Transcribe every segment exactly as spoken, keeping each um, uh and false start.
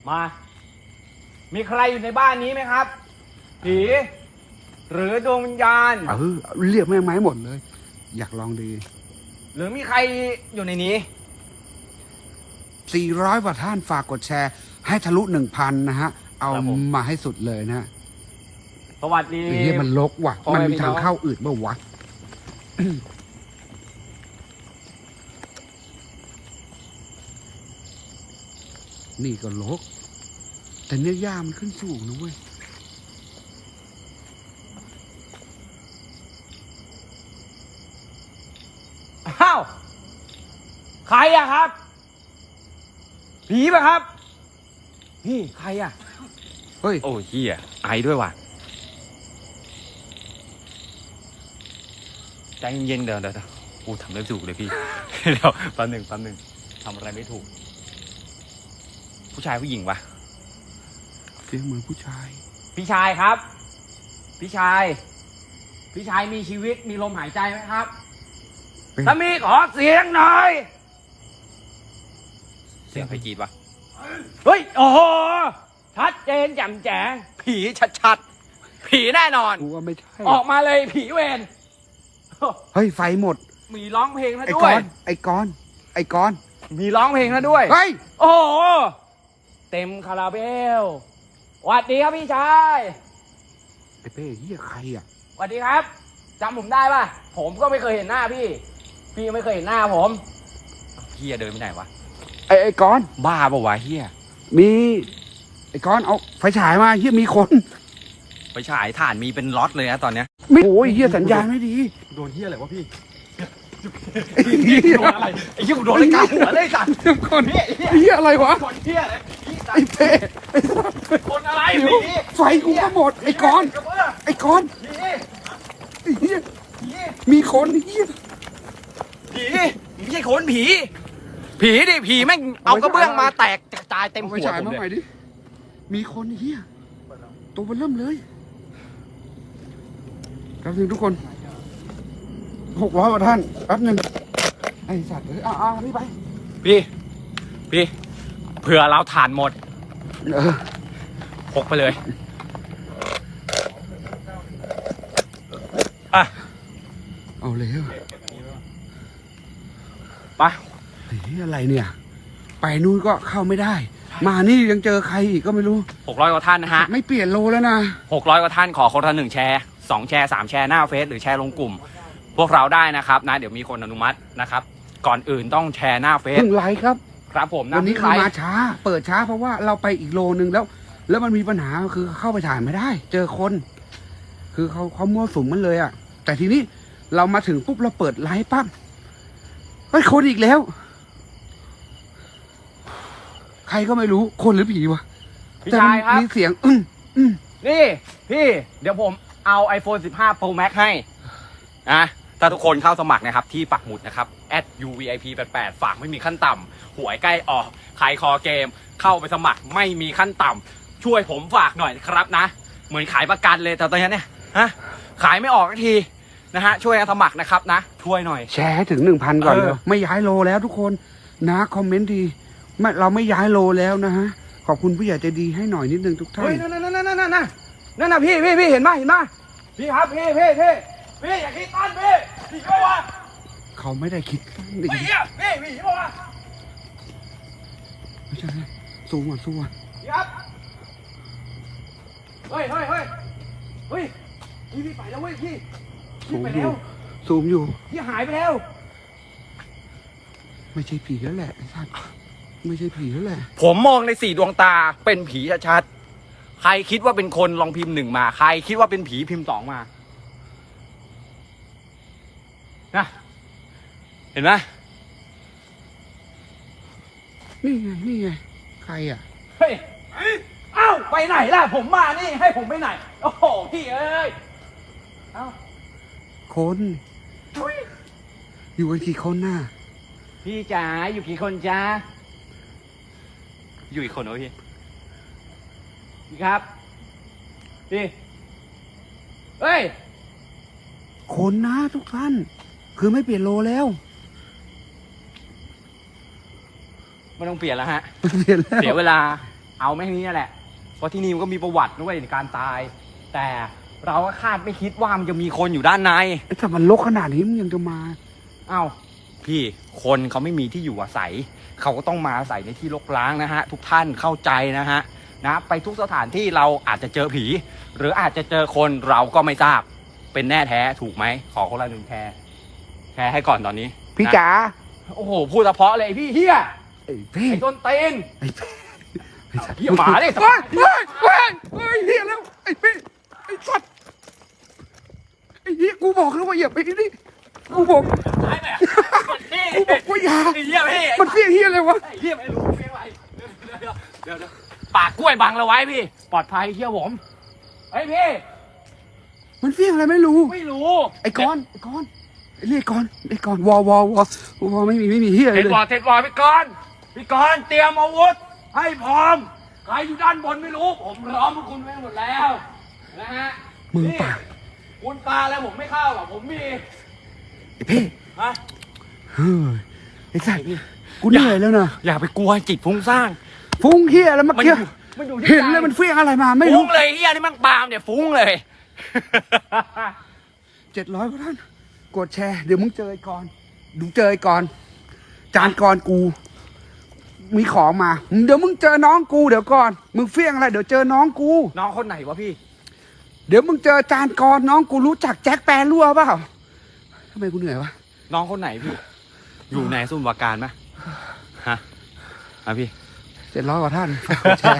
มา มีใครอยู่ในบ้านนี้ไหมครับ ผี หรือดวงวิญญาณเออเรียกแม่ไม้หมดเลย อยากลองดีหรือมีใครอยู่ในนี้สี่ร้อยกว่าท่านฝากกดแชร์ ให้ทะลุหนึ่งพันนะฮะ เอาครับผมมาให้สุดเลยนะสวัสดีไอ้เหี้ยมันลกว่ะพ่อมันแม่มีพี่น้ทาองงเข้าอื่นเมื่อวะ นี่ก็ลก แต่เนื้อย่ามันขึ้นสูงนะเว้ยอ้าว ใครอะครับ ผีปะครับ นี่ใครอะเฮ้ยโอ้เฮียไอด้วยว่ะ ใจเย็นๆเดี๋ยวเดี๋ยวกูทำไม่ถูกเลยพี่ เดี๋ยวแป๊บหนึ่งแป๊บหนึ่งทำอะไรไม่ถูก ผู้ชายผู้หญิงวะเสียงเหมือนผู้ชายพี่ชายครับ พี่ชาย พี่ชายมีชีวิตมีลมหายใจไหมครับเป็นถ้ามีขอเสียงหน่อย เสียงใครกรีดวะ เฮ้ย โอ้โห ชัดเจนแจ่มแจ๋งผีชัดๆ ผีแน่นอนกูว่าไม่ใช่ออกมาเลยผีเวรเฮ้ย ไฟหมดมีร้องเพลงแล้วไอ้ด้กวยอน ไอ้กอน ไอ้กอนมีร้องเพลงแล้วด้วยเฮ้ยโอ้โห เต็มคาราเบลสวัสดีครับพี่ชายไอ้เป้เฮียใครอ่ะสวัสดีครับจำผมได้ป่ะ ผมก็ไม่เคยเห็นหน้าพี่ พี่ไม่เคยเห็นหน้าผมเฮียเดินไปไหนวะไอ้ไอ้กอนบ้าปะวะเฮียมี ไอ้กอนเอาไฟฉายมาเฮียมีคนไปฉายถ่านมีเป็นล็อตเลยนะตอนเนี้ยไม่โอ้ยเฮียสัญญาณไม่ดีโดนเฮียอะไรวะพี่ไอ้เฮียโดนอะไรไอ้เฮียกูโดนอะไรกลางหัวเลยสัตว์เดี๋ยวก่อนไอ้เฮียอะไรวะคนเฮียอะไรพี่สัตไอ้ว์เป้ไอ้สัสคนอะไรเดี๋ยวผีไฟกูก็หมด ไอ้กอนกระเบื้องไอ้กอนผีไอ้เฮียผีมีคนเฮียผีไม่ใช่คนผี ผีดิผีแม่งเอากระเบื้องมาแตกกระจายเต็มเอาหัไฟวฉายผมมาเลใหม่ยดิ มีคนเฮียตัวมันเริ่มเลยแป๊บนึงทุกคนหกร้อยกว่าท่านแป๊บนึงไอ้สัตว์เอ้ยอ่าๆนี่ไปพี่ พี่เผื่อเราถ่านหมดเออพกไปเลย อ่ะเอาเลยไปเฮ้ยอะไรเนี่ย ไปนู่นก็เข้าไม่ได้ มานี่ยังเจอใครอีกก็ไม่รู้หกร้อยกว่าท่านนะฮะไม่เปลี่ยนโลแล้วนะหกร้อยกว่าท่านขอคนละหนึ่งแชร์สองแชร์สามแชร์หน้าเฟซหรือแชร์ลงกลุ่ม พวกเราได้นะครับนะเดี๋ยวมีคนอนุมัตินะครับ ก่อนอื่นต้องแชร์หน้าเฟซเพิ่งไลฟ์ครับครับผมนะวันนี้พี่คือไลมาฟ์ช้า เปิดช้าเพราะว่าเราไปอีกโลนึงแล้ว แล้วมันมีปัญหาคือเข้าไปถ่ายไม่ได้ เจอคน คือเขาเขามั่วสุมมันเลยอ่ะ แต่ทีนี้เรามาถึงปุ๊บเราเปิดไลฟ์ปั๊บเฮ้ยคนอีกแล้ว ใครก็ไม่รู้คนหรือผีวะพี่ชายครับแต่มันมีเสียง อึ้มอึ้มนี่พี่เดี๋ยวผมเอา iPhone สิบห้า Pro Max ให้นะถ้าทุกคนเข้าสมัครนะครับที่ปักหมุดนะครับ แอท ยู วี ไอ พี แปดสิบแปด ฝากไม่มีขั้นต่ำหวยใกล้ออกขายคอเกม เข้าไปสมัครไม่มีขั้นต่ำช่วยผมฝากหน่อยนะครับนะ เหมือนขายประกันเลยแต่ตอนนี้เนี่ยฮะขายไม่ออกสักทีนะฮะช่วยกันสมัครนะครับนะช่วยหน่อยแชร์ให้ถึงหนึ่งพันก่อนเออเร็วไม่ย้ายโลแล้วทุกคนนะคอมเมนต์ดีไม่เราไม่ย้ายโลแล้วนะฮะ ขอบคุณผู้ใหญ่ใจดีให้หน่อยนิดนึงทุกท่าเฮ้นยนั่นนั่นนั่นนั่นนั่นนั่นน่ะพี่พี่พี่เห็นไหมเห็นไหมพี่ครับพี่พี่พี่พี่อย่าคิดตั้นพี่พี่ก็ว่าเขาไม่ได้คิดเฮ้ยเนี่ยพี่พี่บอกว่าไม่ใช่สู้อ่ะสู้อ่ะพี่ครับเฮ้ยเฮ้ยเฮ้ยเฮ้ยพี่พี่ไปแล้วเว้ยพี่พี่ซูมไปอแล้ยู่วซูมอยู่พี่หายไปแล้วไม่ใช่ผีแล้วแหละไอ้สัสไม่ใช่ผีแล้วแหละผมมองในสี่ดวงตาเป็นผีชัดๆใครคิดว่าเป็นคนลองพิมพ์หนึ่งมาใครคิดว่าเป็นผีพิมพ์สองมานะเห็นไหมนี่ไงนี่ไงใครอ่ะเฮ้ยเอ้าไปไหนล่ะผมมานี่ให้ผมไปไหนโอ้โหพี่เอ้ยเอ้าคนอยู่กันกี่คนน่ะพี่จ๋าอยู่กี่คนจ๊ะอยู่อีกคนเหรอพี่พี่ครับพี่เฮ้ยคนนะทุกท่าน คือไม่เปลี่ยนโลแล้วไม่ต้องเปลี่ยนแล้วฮะไม่เปลี่ยนแล้วเสียเวลาเอาไม่ที่นี่แหละเพราะที่นี่มันก็มีประวัติด้วยในการตาย แต่เราก็คาดไม่คิดว่ามันจะมีคนอยู่ด้านในไอ้ถ้ามันรกขนาดนี้มึงยังจะมาเอ้าพี่คนเขาไม่มีที่อยู่อาศัยเขาก็ต้องมาอาศัยในที่รกร้างนะฮะทุกท่านเข้าใจนะฮะนะไปทุกสถานที่เราอาจจะเจอผี หรืออาจจะเจอคนเราก็ไม่ทราบเป็นแน่แท้ถูกไหมขอคนละหนึ่งแชร์แชร์ให้ก่อนตอนนี้พี่นะจ๋าโอ้โหพูดเฉพาะเลยไอ้พี่เฮียไอ้พี่ไอ้ต้นเต็นไอ้พี่เฮียหมาเลยเฮ้ยเฮ้ยเฮ้ยเฮ้ยเฮียแล้วไอ้พี่ไอ้สัตว์ไอ้เฮียกูบอกแล้วว่าอย่าไปนี่กูบอกตายไหมพี่กูบอกว่าอย่าไอ้เฮียพี่มันเฟี้ยเฮียอะไรวะไอ้เฮียไม่รู้เฟี้ยอะไรเดี๋ยวเดี๋ยวเดี๋ยวเดี๋ยวปากกล้วยบังเราไว้พี่ปลอดภัยเฮียผมไอ้พี่มันเฟี้ยอะไรไม่รู้ไม่รู้ไอ้กอนไอ้กอนไอ้เรียกกอนไอ้กอนวอวอวอวอไม่มีไม่มีเฮียอะไรเทดเลยบอลเทดบอลพี่กรณ์พี่กรณ์เตรียมอาวุธให้พร้อมใครอยู่ด้านบนไม่รู้ ผมล้อมพวกคุณไว้หมดแล้วนะฮะมึงนี่ปากคุณปาแล้วผมไม่เข้าหรอกผมมีไอ้พี่ฮะเฮ้ยไอ้สัตว์กูเหนื่อยแล้วนะอย่าไปกลัวจิตฟุ้งซ่านฟุ้งเฮียแล้วเมื่อมันอกี้ยู่มันอยู่ที่เห็นใจแล้วมันเฟี้ยงอะไรมาไม่ฟุ้รู้งเลยเฮียนี่มันปาล์มเนี่ยฟุ้งเลยเจ็ดร้อยกว่าท่านกดแชร์เดี๋ยวมึงเจอไอ้กอนดูเจอไอ้กอนจานกรกู มีของมาเดี๋ยวมึงเจอน้องกูเดี๋ยวก่อนมึงเฟี้ยงอะไรเดี๋ยวเจอน้องกูน้องคนไหนวะพี่เดี๋ยวมึงเจอจานกรน้องกูรู้จักแจ็คแปรรั่วเปล่าทำไมกูเหนื่อยวะน้องคนไหนพี่ อยู่ในสุ่มวาการไหมฮะอ่ะพี่เจ็ดร้อยกว่าท่านฝากกดแชร์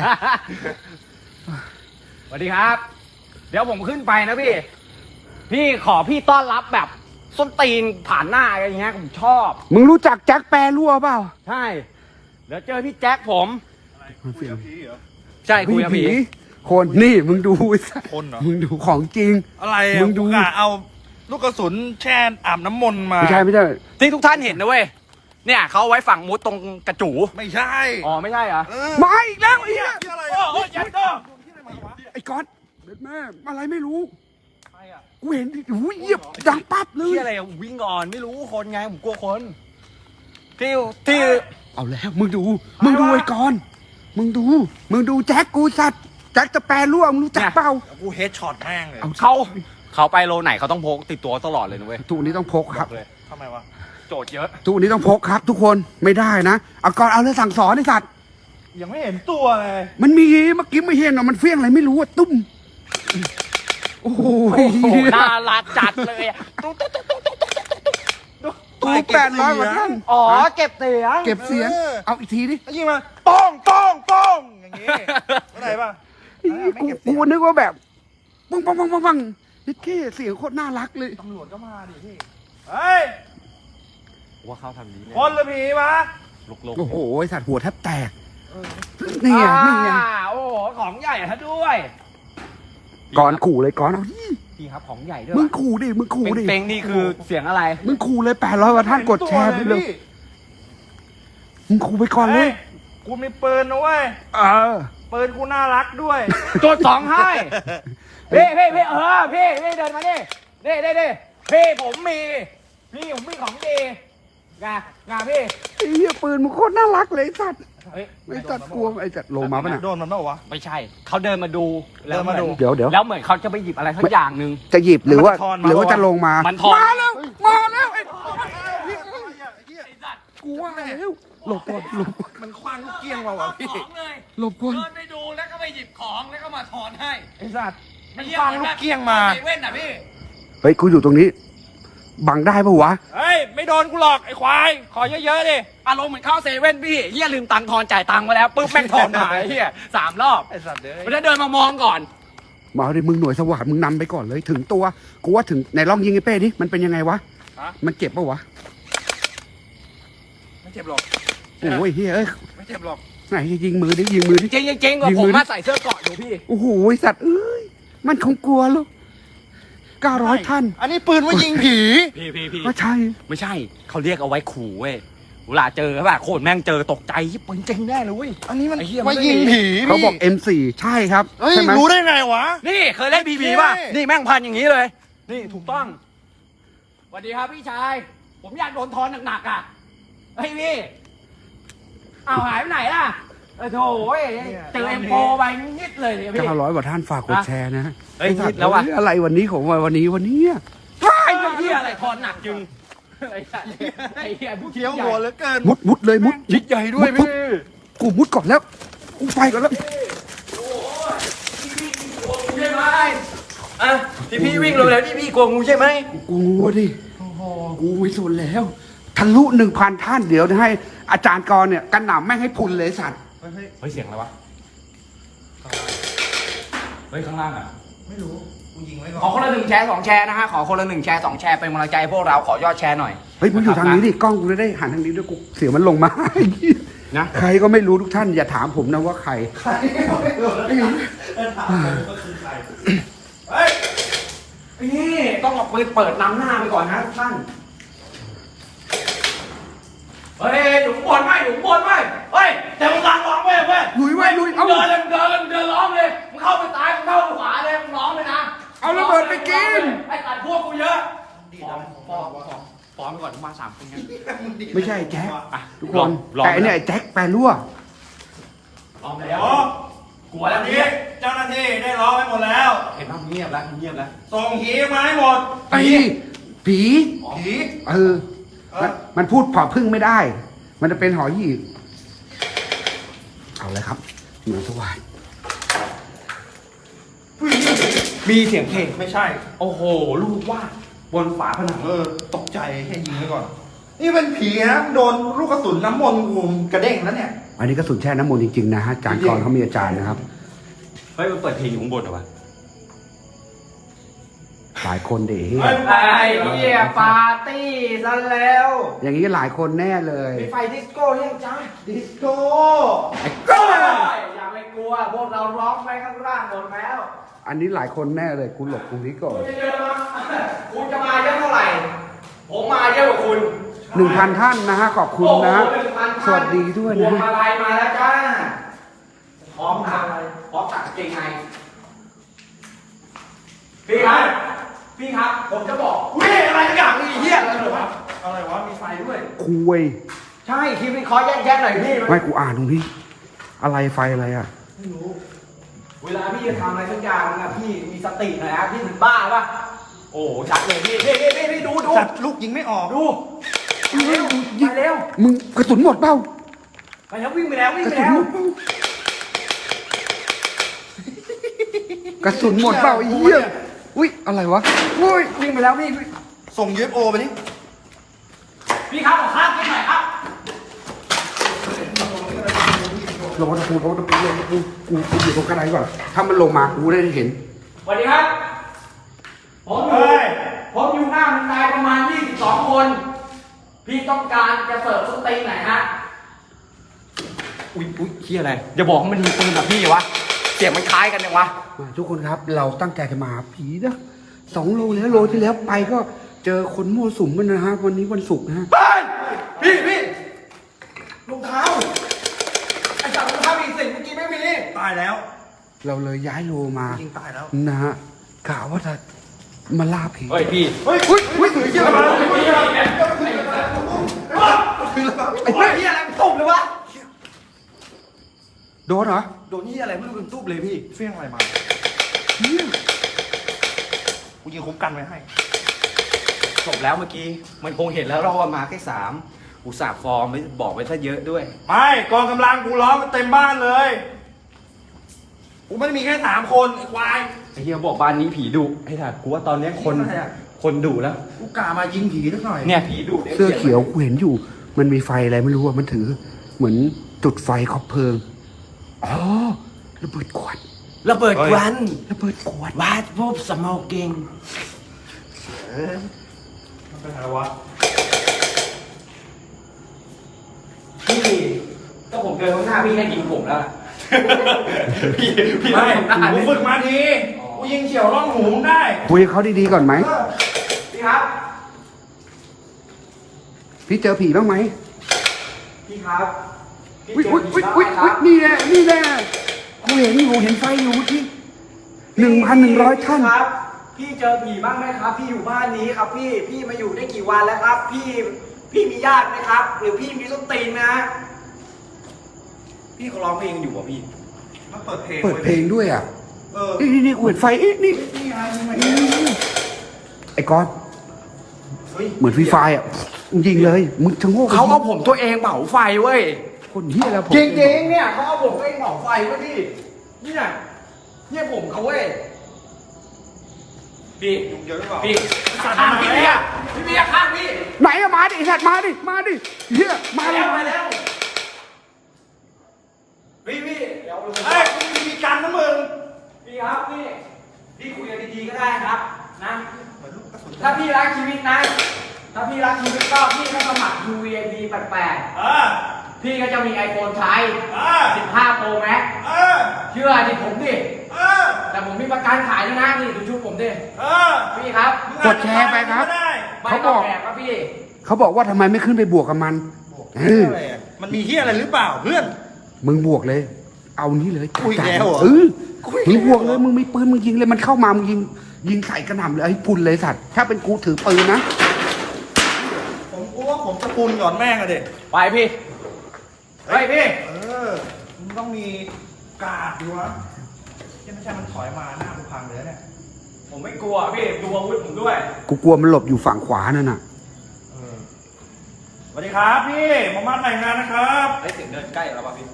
สวัสดีครับ เดี๋ยวผมขึ้นไปนะพี่ พี่ขอพี่ต้อนรับแบบส้นตีนผ่านหน้าอะไรอย่างเงี้ยผมชอบมึงรู้จักแจ็คแปรรั่วเปล่าใช่ เดี๋ยวเจอพี่แจ็คผมมันเฟี้ยงใช่คุยกับผีคนนี่มึงดูไอ้สัสคนเหรอมึงดูของจริงอะไรมึอ่ะงดูกูกะเอาลูกกระสุนแช่อาบน้ำมนต์มาไม่ใช่ไม่ใช่ที่ทุกท่านเห็นนะเว้ย เนี่ยเขาเอาไว้ฝังมุดตรงกระจูไม่ใช่อ๋อไม่ใช่เหรอเออมาอีกแล้วไอ้เหี้ยที่อะไรโอ้อ่ะโหยัดเตอร์ไอ้ก๊อตเด็ดแม่อะไรไม่รู้ใครอ่ะกูเห็นดิหูยเหยียบดังปั๊บเลยที่อะไรอะวิ่งก่อนไม่รู้คนไงผมกลัวคนที่ที่เอาแล้วมึงดู มึงดูไอ้กอนมึงดู มึงดูแจ็คกูสัตว์แจ็คจะแปรรั่วมึงรู้จักเปล่ากูเฮดช็อตแม่งเลยเอาเขาเขาไปโลไหนเขาต้องพกติดตัวตลอดเลยนะเว้ยทุกนี้ต้องพกครับเลยทำไมวะโจทย์เยอะทุกนี้ต้องพกครับ ทุกคนไม่ได้นะเอาก่อนเอาเลยสั่งสอนไอ้สัตว์ยังไม่เห็นตัวเลยมันมีเมื่อกี้ไม่เห็นอ่ะมันเฟี้ยงอะไรไม่รู้อ่ะตุ้มโอ้โหโอ้โหน่ารักจัดเลยอะตุ๊กตุ๊กตุ๊กตุ๊กตุ๊กตุ๊กกูแปดร้อยกว่าท่านอ๋อเก็บเสียงเก็บเสียง เอาอีกทีดิแล้วยิงมาป้องป้องป้องอย่างงี้เข้าใจป่ะกูกูนึกว่าแบบปังปังปังปังปังนี่แค่เสียงโคตรน่ารักเลยตำรวจก็มาดิพี่เฮ้ยว่าเขาทำนี้คนหรือผีวะลุกลุกโอ้โหไอ้สัตว์หัวแทบแตกนี่ไงนี่ไงโอ้โหของใหญ่ซะด้วยก่อนขู่เลยก่อนเอาดิพี่ครับของใหญ่ด้วยมึงขู่ดิมึงขู่ดิเป้งๆนี่คือเสียงอะไรมึงขู่เลยแปดร้อยกว่าท่านกดแชร์ไปเลย มึงขู่ไปก่อนเลเฮ้ยยกูมีปืนนะเว้ยเออปืนกูน่ารักด้วยโจทย์สองให้พี่พี่พี่เออพี่พี่เดินมาดิเด้เด้เด้พี่ผมมี พี่ผมมีของดีงางาพี่ไอ้เหี้ยปืนมึงโคตรน่ารักเลยไอ้สัตว์เฮ้ยไอ้สัตว์กลัวไอ้สัตว์โลมาปะเนี่ยโดนมันเปล่าวะไม่ใช่เขาเดินมาดูแล้วเดินมาดูเดี๋ยวเดี๋ยวแล้วเหมือนเขาจะไปหยิบอะไรสักอย่างหนึ่งจะหยิบหรือว่ามันจะทอนมาหรือว่าจะลงมามันทอนมาแล้วมาแล้วไอ้กูว่าแล้วหลบก่อนหลบก่อนมันคว้างลูกเกี้ยงมาวะพี่ของเลยหลบก่อนเดินไปดูแล้วก็ไปหยิบของแล้วก็มาถอนให้ไอ้สัตว์ มันไหี้คว้างลูกเกี้ยงมาเซเว่นอ่ะพี่เฮ้ยกูอยู่ตรงนี้ บังได้ปะวะเฮ้ย ไม่โดนกูหรอกไอ้ควาย ขอเยอะๆดิอารมณ์เหมือนเข้าเซเว่นพี่เฮียลืมตังค์ทอนจ่ายตังค์มาแล้วปุ๊บแม่งทอนหายเฮียสามรอบไอ้สัตว์เด้มันจะเดินมามองก่อนมาดิมึงหน่วยสวัสดมึงนำไปก่อนเลยถึงตัวกูว่าถึงในลองยิงไอ้เป้ดิมันเป็นยังไงวะฮะมันเจ็บปะวะไม่เจ็บหรอกโอ้ยเฮ้ยเอ้ยไม่เจ็บหรอกไหนยิงมือดิยิงมือดิจริงจริงๆกว่ายิงผมืมอดิมาใส่เสื้อเกราะอยู่พี่โอ้โหไอ้สัตว์เอ้ยมันคงกลัวลูกเก้าร้อยท่านอันนี้ปืนว่ายิงผีพี่พี่พี่ก็ใช่ไม่ใช่เขาเรียกเอาไว้ขู่เว้ยเวลาเจอแบบโคตรแม่งเจอตกใจยิบปืนจริงแน่เลยเว้ยอันนี้มันไอ้เหี้ยมันว่าไม่ยิงมีผีเขาบอกพี่เอ็ม สี่ใช่ครับเฮ้ยใช่ไหมรู้ได้ไงวะนี่เคยเล่นพีพีโอเคป่ะนี่แม่งพันอย่างนี้เลย นี่ถูกต้องสวัสดีครับพี่ชาย ผมอยากโดนทอนหนักๆอ่ะเฮ้ยพี่อ้าวหายไปไหนล่ะอ้โถเจอเอ็มโฟไปนิดเลยเนี่ยพี่เก้าร้อยกว่าท่านฝากกดแชร์นะเฮ้ยนิดแล้ววะอะไรวันนี้ของวันนี้วันนี้อะไอ้เหี้ยอะไรคอหนักจึงไอ้สัตว์ไอ้เหี้ยผู้เคี้ยวหัวเหลือเกินมุดมุดเลยมุดชิดใหญ่ด้วยพี่กูมุดก่อนแล้วกูไปก่อนแล้วใช่ไหมอ่ะพี่พี่วิ่งลงแล้วพี่พี่กลัวงูใช่ไหมกูงูดิกูไม่สนแล้วทะลุหนึ่งพันท่านเดี๋ยวให้อาจารย์กรเนี่ยกันหนำแม่งให้พุนเลยสัตว์เฮ้ยเฮ้ยเสียงอะไรวะเฮ้ยข้างล่างอ่ะไม่รู้ กูยิงไว้ก่ขออนคนละหนึ่งแชร์สองแชร์นะฮะขอคนละหนึ่งแชร์สองแชร์เป็นกำลังใจให้พวกเราขอยอดแชร์หน่อยเฮ้ยมึงอยู่ทางนี้ดิกล้องกูจะได้หันทางนี้ด้วยกูเสียงมันลงมานะใครก็ไม่รู้ทุกท่านอย่าถามผมนะว่าใครใครไม่รู้ถามผมก็คือใคร เฮ้ยนี่ต้องเอาปืนเปิดนำหน้าไปก่อนนะทุกท่านเฮ้ยหนุ่มบนไหมหนุ่มบนไหมเฮ้ยแต่มึงร้องเว้ยเว้ยลุยไว้ลุยเอาเดินเลยเดินเลยเดินร้องเลยมึงเข้าไปตายมึงเข้าไปขวาเลยมึงร้องเลยนะเอาระเบิดไปกินไอ้ตัดพวกกูเยอะฟ้องฟ้องฟ้องฟ้องไปก่อนมาสามคนไงไม่ใช่แจ็คอ่ะทุกคนแต่ไอ้เนี่ยไอ้แจ็คแปรรั่วร้องแล้วโอ้กลัวแล้วนี่พี่เจ้าหน้าที่ได้ร้องไปหมดแล้วเห็นป่ะเงียบแล้วเงียบแล้วส่งหีมาให้หมดไอ้ผีผีเออมันมันพูดผอพึ่งไม่ได้ มันจะเป็นหอหีบเอาเลยครับเหมือนสวายมีเสียงเพลงไม่ใช่โอ้โหลูกวาดบนฝาผนังเออ ตกใจแค่ยิงไว้ก่อน นี่เป็นผีนะ โดนลูกกระสุนน้ำมนต์กูกระเด้งแล้วเนี่ยอันนี้กระสุนแช่น้ำมนต์จริงๆนะฮะอาจารย์กรเขามีอาจารย์นะครับเฮ้ยมันเปิดเพลงอยู่ข้างบนเหรอวะหลายคนเด๋เฮ้ยไอ้เหี้ยปาร์ตี้ซะแล้วอย่างนี้หลายคนแน่เลยมีไฟดิสโก้ยังจ้าดิสโก้อย่าไปกลัวพวกเราร้องไปข้างล่างหมดแล้วอันนี้หลายคนแน่เลยคุณหลบตรงนี้ก่อนคุณจะเจอมาคุณจะมาเยอะเท่าไหร่ ผมมาเยอะกว่าคุณหนึ่งพันท่านนะฮะขอบคุณนะโอ้โหหงพันท่านสวัสดีด้วยพวนะงมาลัยมาแล้วจ้าพร้อมตักพร้อมตักเกงในพี่ครับพี่ครับ ผมจะบอกอุ้ยอะไรสักอย่างนี่เฮี้ยอะไรวะอะไรวะ มีมีไฟด้วยคุยใช่คลิปนี้ขอแยกๆหน่อยพี่ไม่กูอ่านตรงนี้ อะไรไฟอะไรอ่ะไม่รู้เวลาพี่จะทำอะไรสักอย่างนะพี่มีสติหน่อยนะพี่ถึงบ้าปะโอ้ชัดเลยพี่พี่พี่พี่พี่ดูดูสัตว์ลูกยิงไม่ออกดูไปเร็วไปเร็วมึงกระสุนหมดเปล่าไปแล้ววิ่งไปแล้ววิ่งกระไปสุนแล้วหมดเปล่ากระสุนหมดเปล่าไอ้เหี้ยอุ้ยอะไรวะอุ้ยวิ่งไปแล้วพี่ส่ง ยู เอฟ โอ ไปดิพี่ครับขอข้ามกินหน่อยครับลงมาตะปูลงมาตะปูลงมาตะปูกูกูอยู่ตรงกระไดก่อนถ้ามันลงมากูได้เห็นสวัสดีครับผมอยู่เฮ้ยผมอยู่หน้ามันตายประมาณยี่สิบสองคน พี่ต้องการจะเสิร์ฟสเต็กไหนฮะอุ้ยอุ้ยเฮียอะไรอย่าบอกว่ามันมีปืนแบบพี่วะเสียงมันคล้ายกันยังวะมาทุกคนครับเราตั้งใจจะมาหาผีนะสองโลแล้วโลที่แล้วไปก็เจอคนมั่วสุมกันนะฮะวันนี้วันศุกร์นะฮะไปพี่พี่รองเท้าไอ้จับรองเท้ามีสิ่งเมื่อกี้ไม่มีตายแล้วเราเลยย้ายโลมายิงตายแล้วนะฮะกะว่าจะมาล่าผีเฮ้ยพี่เฮ้ยอุ้ยอุ้ยถือเยอะมาไอ้เหี้ยอะไรมันตุบเลยวะโดนเหรอโดนเหี้ยอะไรไม่รู้เป็นตุบเลยพี่เฟี้ยงอะไรมาเหี้ยกูยิงคุ้มกันไว้ให้จบแล้วเมื่อกี้ มันคงเห็นแล้วเราว่ามาแค่สามอุตส่าห์ฟอร์มไม่บอกไปซะเยอะด้วยไม่กองกำลังกูล้อมมันเต็มบ้านเลย กูไม่ได้มีแค่สามคนไอ้ควายไอ้เฮียบอกบ้านนี้ผีดุไอ้ถ่ากูว่าตอนเนี้ยคนอะไรอะคนดุแล้วกูกะมายิงผีสักหน่อยเนี่ยผีดุเสื้อเขียวกูเห็นอยู่ มันมีไฟอะไรไม่รู้อะมันถือ เหมือนจุดไฟคอบเพลิงอ๋อระเบิดขวดระเบิดควันระเบิดขวดวาดรูปสโมกกิ้งเออมันเป็นอะไรวะพี่ก็ผมเดินข้างหน้าพี่ให้ยิงผมแล้วล่ะพี่พี่ไม่ทำหน้ากูเลยฝึกมาที กูยิงเฉียวร่องหูมึงได้คุยกับเขาดีๆก่อนไหมเออพี่ครับพี่เจอผีบ้างไหมพี่ครับพี่อุ้ยเจอุ้ยผีอุ้ยบ้างอุ้ยไหมครับนี่แหละนี่แหละกูเห็นอยู่เห็นไฟอยู่เมื่อกี้หนึ่งพันหนึ่งร้อยท่านครับ พี่เจอผีบ้างไหมครับ พี่อยู่บ้านนี้ครับ พี่พี่มาอยู่ได้กี่วันแล้วครับ พี่พี่มีญาติไหมครับ หรือพี่มีส้นตีนนะพพี่เขาร้องเพลงอยู่อ่ะพี่มันเปิดเพลงเปิดเพลงด้วยอ่ะเออนี่นี่นี่กูเห็นไฟเอ๊ะนี่นี่ไงนี่ไงไอ้ก้อนเฮ้ยเหมือนฟรีไฟอ่ะมึงยิงเลยมึงชะโงกเขาเอาผมตัวเองเผาไฟเว้ยคนเฮียแล้วผมจริงๆเนี่ยเขาเอาผมตัวเองเผาไฟเว้ยพี่เนี่ยเนี่ยผมเขาเว้ยพี่ยุงเยอะหรือเปล่าพี่ข้างพี่เบียร์พี่เบียร์ข้างพี่ไหนอะมาดิไอ้สัตว์มาดิมาดิเฮียมาเลยมาแล้วพี่พี่เดี๋ยวเฮ้ยกูมีมีกันนะมึงพี่ครับพี่พี่คุยกันดีๆก็ได้ครับนะเหมือนลูกกระสุนถ้าพี่รักชีวิตนะถ้าพี่รักชีวิตก็พี่ก็สมัคร ยู วี ไอ พี แปดแปดเออพี่ก็จะมี iPhone ใช้เออสิบห้า Pro Max เออเชื่อดิผมดิเออแต่ผมมีประกันขายด้วยนะนี่ดูชุดผมดิเออพี่ครับกดแชร์ไปครับได้ไม่เขาบต้ออก งแอบครับพี่เขาบอกว่าทำไมไม่ขึ้นไปบวกกับมัน เอออะไรอะมันมีเฮียอะไรหรือเปล่าเพื่อนมึงบวกเลย เอานี่เลยกูอีกแล้วเหรอเออกูอีกแล้วมึงบวกเลยมึงมีปืนมึงยิงเลยมันเข้ามามึงยิงยิงใส่กระหน่ำเลยไอ้พุนเลยสัตว์ถ้าเป็นกูถือปืนนะผมกลัวว่าผมจะปูนหย่อนแม่งอะเด็กไปพี่ไปพี่เออมันต้องมีกาดอยู่วะที่ไม่ใช่มันถอยมาหน้ากูพังเลยนะเนี่ยผมไม่กลัวพี่ดูอาวุธผมด้วยกูกลัวมันหลบอยู่ฝั่งขวานั่นน่ะเออสวัสดีครับพี่หมอมาแต่งงานนะครับไอ้เสียงเดินใกล้แล้วป่ะพี่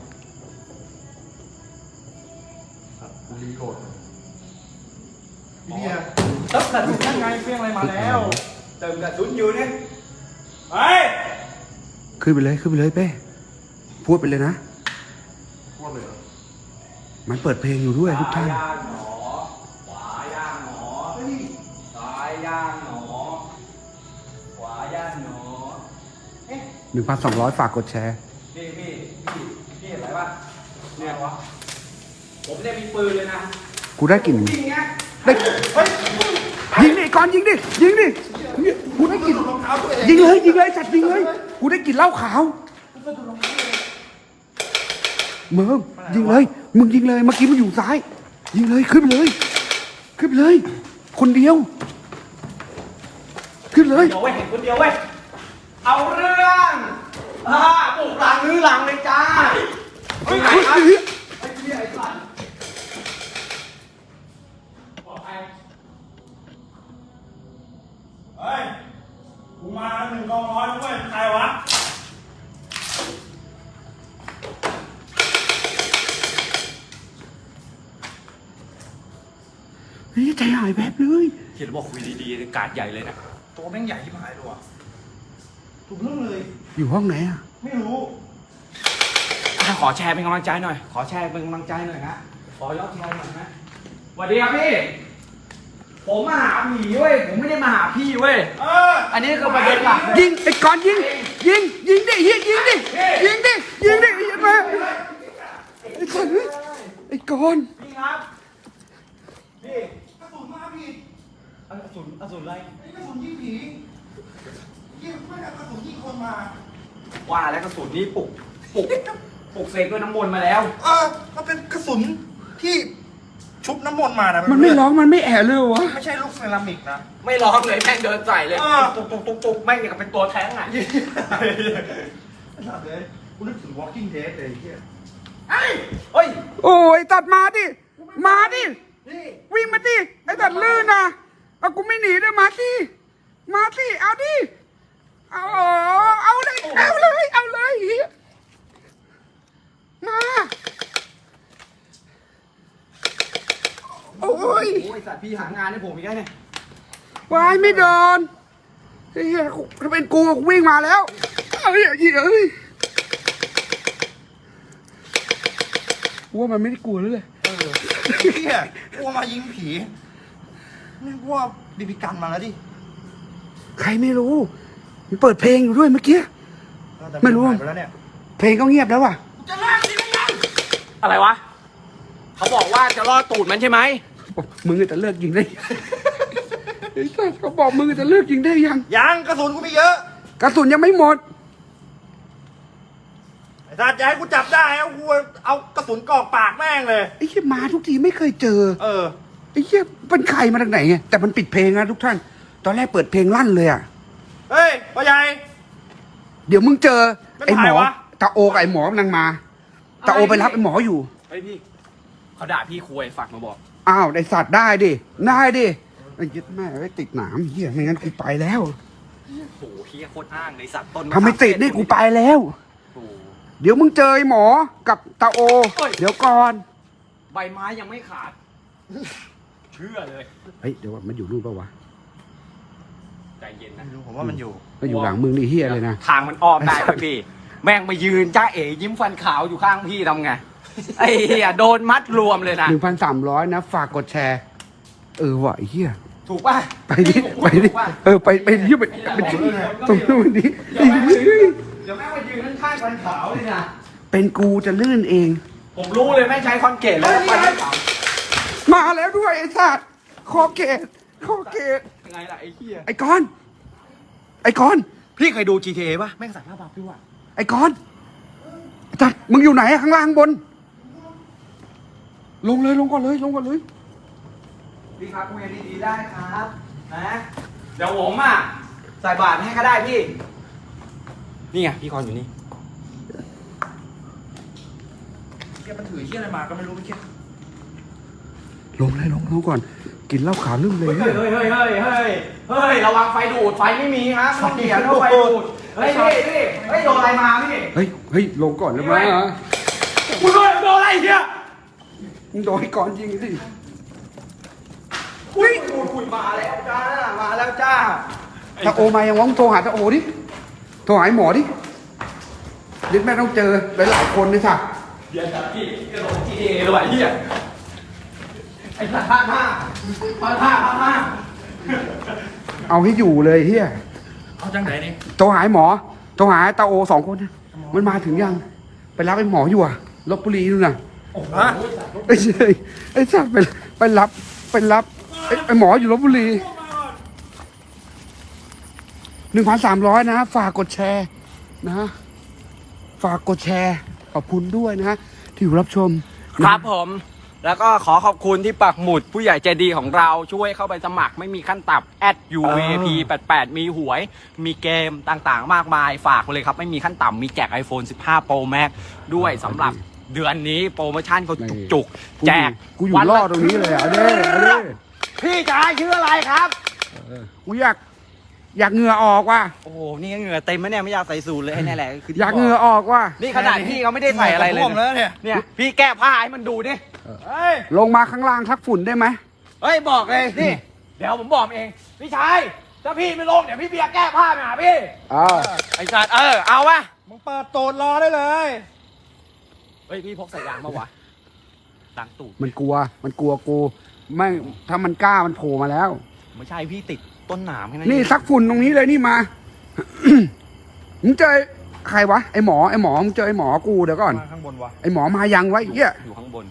กูรีโหลดพี่เนี่ยเติมกระสุนยังไงเฟี้ยงอะไรมาแล้วเติมกระสุนอยู่เนี่ยเฮ้ยขึ้นไปเลยขึ้นไปเลยเป้พูดไปเลยนะพูดเลยเหรอมันเปิดเพลงอยู่ด้วยทุกท่านซ้ายย่างหนอขวาย่างหนอซ้ายย่างหนอขวาย่างหนอเอ๊ะหนึ่งพันสองร้อยฝากกดแชร์พี่พี่พี่พี่เห็นอะไรปะเนี่ยวะผมเนี่ยมีปืนเลยนะกูได้กลิ่นจริงเนี้ยได้เฮ้ยยิงดิก่อนยิงดิยิงดิกูได้กลิ่นรองเท้าตัวเองยิงเลยยิงเลยจัดยิงเลยกูได้กลิ่นเหล้าขาวเมืองยิงเลยมึงยิงเลยเมื่อกี้มันอยู่ซ้าย ยิงเลยขึ้นไปเลย ขึ้นไปเลย คนเดียว ขึ้นเลยเดี๋ยวเว้ยเห็นคนเดียวเว้ยเอาเรื่องอ่าปลุกหลังลื้อหลังเลยจ้าเฮ้ยไหนครับ ไอ้เหี้ยไอ้สัตว์บอกใครเฮ้ยกูมาหนึ่งกองร้อยด้วยใครวะเฮ้ยใจหายแวบเลยเห็นบอกคุยดีๆการดใหญ่เลยนะตัวแม่งใหญ่ที่หายเลยว่ะถูกเรื่องเลยอยู่ห้องไหนอ่ะไม่รู้อ่ะขอแชร์เป็นกำลังใจหน่อย ขอแชร์เป็นกำลังใจหน่อยนะขอยอดแชร์หน่อยนะสวัสดีครับพี่ ผมมาหาผีเว้ย ผมไม่ได้มาหาพี่เว้ยเอออันนี้คือประเด็นหลักเลยยิงไอ้ก่อนยิง ยิงยิงดิยิงยิงดิยิงดิยิงดิยิงมาไอ้ก่อนเฮ้ยไอ้ก่อนพี่ครับ พี่กระสุนมาพี่อสุนอสุนอะไรไอ้กระสุนยิงผียิงไม่ได้กระสุนยิงคนมาว่าแล้วกระสุนนี้ปลุกปลุกปลุกเสกด้วยน้ำมนต์มาแล้วเออมันเป็นกระสุนที่ชุบน้ำมนต์มานะมันไม่ร้องมันไม่แอะเลยเหรอวะไม่ใช่ลูกเซรามิกนะไม่ร้องเลยแม่งเดินใส่เลยเออตุกตุกตุกตุกแม่งอย่างกับเป็นตัวแท้งอ่ะสัตว์เลยกูนึกถึง Walking Dead เลยไอ้เหี้ยเฮ้ยเฮ้ยโอ้ยตัดมาดิมาดินี่วิ่งมาดิไอ้ตัดลื่นนะเอากูไม่หนีด้วยมาสิมาสิเอาดิเอาเอาเลยเอาเลยเอาเลยเหี้ยมาโอ้ยโอ้ยสัตว์พี่หางานให้ผมอีกแล้วเนี่ยวายไม่โดนเฮ้ยถ้าเป็นกูกูวิ่งมาแล้วเอ้ยเหี้ยเอ้ยกูว่ามันไม่ได้กลัวเลยเออไอ้เหี้ยกลัวมายิงผีนี่กลัวบีบีกันมาแล้วดิใครไม่รู้มันเปิดเพลงอยู่ด้วยเมื่อกี้แต่ไม่รู้หายไปแล้วเนี่ยเพลงก็เงียบแล้วว่ะจะลากดิไม่ยังอะไรวะ เขาบอกว่าจะรอดตูดมันใช่ไหมมึงจะเลิกยิงได้ ไอ้สัสเขาบอกมึงจะเลิกยิงได้ยังยังกระสุนกูมีเยอะกระสุนยังไม่หมดไอ้สัตว์จะให้กูจับได้เอากูเอากระสุนกรอกปากแม่งเลยไอ้เหี้ยมาทุกทีไม่เคยเจอเออไอ้เหี้ยเป็นใครมาจากไหนไงแต่มันปิดเพลงนะทุกท่าน ตอนแรกเปิดเพลงลั่นเลยอ่ะเฮ้ยพ่อใหญ่เดี๋ยวมึงเจอไม่ไอ้หมอถ่ายวะตาโอกับไอ้หมอกำลังมาตาโอไปรับไอ้หมออยู่เฮ้ยพี่เขาด่าพี่คุยฝากมาบอกอ้าวไอ้สัตว์ได้ดิได้ดิไอ้ยึดแม่ไอ้ติดหนามเฮียไม่งั้นกูไปแล้วโอ้โหเฮียโคตรอ้างเลยสัตว์ต้นทำไมติดนี่กูไปแล้วโอ้โหเดี๋ยวมึงเจอไอ้หมอกับตาโอเฮ้ยเดี๋ยวก่อนใบไม้ยังไม่ขาด เชื่อเลยเฮ้ยเดี๋ยวก่อนมันอยู่นู่นปะวะใจเย็นนะไม่รู้ผมว่ามันอยู่มันอยู่หลังมึงนี่เฮียเลยนะทางมันอ้อมได้ไหมพี่ แม่งมายืนจ้าเอ๋ยิ้มฟันขาวอยู่ข้างพี่ทำไง ไอ้เหี้ยโดนมัดรวมเลยนะหนึ่งพันสามร้อยนะ ฝากกดแชร์ เออว่ะไอ้เฮียถูกป่ะไปดิพี่ผมไปดิถูกป่ะเออไปไปดิไปไปดิตรงนู้นดิเดี๋ยวแม่งมายืนเดี๋ยวแม่งมายืนข้างๆฟันขาวเลยนะเป็นกูจะลื่นเองผมรู้เลยแม่งใช้คอนเกตแล้วฟันขาวมาแล้วด้วยไอ้สัตว์คอเกตคอเกตยังไงล่ะไอ้เหี้ยไอ้กอนไอ้กอนพี่เคยดู จี ที เอ ป่ะแม่งใส่ผ้าบัฟด้วยว่ะไอ้กอนจัดมึงอยู่ไหนอะข้างล่างบน ลงเลยลงก่อนเลยลงก่อนเลยพี่ครับคุยกันดีๆได้ครับนะเดี๋ยวผมอ่ะใส่บาตรให้ก็ได้พี่ นี่ไงพี่กรณ์อยู่นี่เฮียมันถือเฮียอะไรมาก็ไม่รู้เมื่อกี้ลงเลยลงลงก่อน กินเหล้าขาวลืมเลยเฮ้ยเฮ้ยเฮ้ยเฮ้ยเฮ้ยเฮ้ยระวังไฟดูดไฟไม่มีครับต้องเขียนว่าไฟดูดเฮ้ยพี่พี่เฮ้ยโดนอะไรมาพี่เฮ้ยเฮ้ยลงก่อนเลยมั้ยมึงโดนโดนอะไรเหี้ยมึงโดนไอ้กอนยิงสิอุ้ยคุยคุยมาแล้วจ้ามาแล้วจ้าตาโอมายังวะมึงโทรหาตาโอดิโทรหาไอ้หมอดิเดี๋ยวแม่ต้องเจอหลายๆคนเลยสักเดี๋ยวจับพี่กระโดดจีเอเลยว่ะเหี้ยไอ้สัตว์ห้าห้าห้าห้าห้าห้าเอาให้อยู่เลยเฮียเอาจังไหนนี่โทรหาไอ้หมอโทรหาตาโอสองคนนะมันมาถึงยัง ไปรับไอ้หมออยู่อะลบบุรีนู่นน่ะโอ้โหไอ้เชยไอ้สัตว์ไปไปรับไปรับไอ้ไอ้หมออยู่ลบบุรีหนึ่งพันสามร้อยนะ ฝากกดแชร์นะ ฝากกดแชร์ขอบคุณด้วยนะ ที่อยู่รับชมครับผม แล้วก็ขอขอบคุณที่ปักหมุดผู้ใหญ่ใจดีของเราช่วยเข้าไปสมัครไม่มีขั้นต่ำ แอด ยู วี ไอ พี แปดแปด มีหวย มีเกมต่างๆ มากมายฝากไปเลยครับ ไม่มีขั้นต่ำมีแจก iPhone สิบห้า Pro Max ด้วยสำหรับเดือนนี้โปรโมชั่นเขาจุกๆ แจกกูอยู่รอดตรงนี้เลยอ่ะเอาด้เอาด้พี่ชายชื่ออะไรครับกูอยากอยากเหงื่อออกว่ะโอ้โห นี่ก็เหงื่อเต็มไหมเนี่ยไม่อยากใส่สูทเลยไอ้นี่แหละคืออยากเหงื่อออกว่ะนี่ขนาดพี่เขาไม่ได้ใส่อะไรเลยท่วมแล้วนะเนี่ยเนี่ย พี่แก้ผ้าให้มันดูดิเฮ้ยลงมาข้างล่างทักฝุ่นได้ไหมเฮ้ยบอกเลยนี่ เดี๋ยวผมบอกเอง พี่ชายถ้าพี่ไม่ลงเดี๋ยวพี่เบียร์แก้ผ้าไปหาพี่อ่าไอ้สัตว์เออเอาวะมึงเปิดตูดรอได้เลยเฮ้ยพี่พกใส่ยางมาวะดังตูดมันกลัว มันกลัวกูไม่ถ้ามันกล้ามันโผล่มาแล้วไม่ใช่พี่ติดต้นหนามแค่นั้นนี่เองซักฝุ่นตรงนี้เลยนี่มา มึงเจอใครวะไอหมอไอหมอมึงเจอไอหมอกูเดี๋ยวก่อนมาข้างบนวะไอหมอมายังไวะไอ้เหี้ยอยู่ข้างบน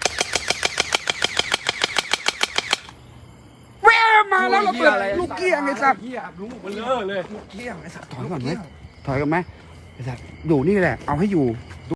แววมาแล้วเราเปิดลูกเกี้ยงไอ้สัตว์เกี้ยงลูกมันเลอะเลยเกี้ยงไอ้สัตว์ถอยก่อนไหมถอยกันไหมไอ้สัตว์อยู่นี่แหละ เอาให้อยู่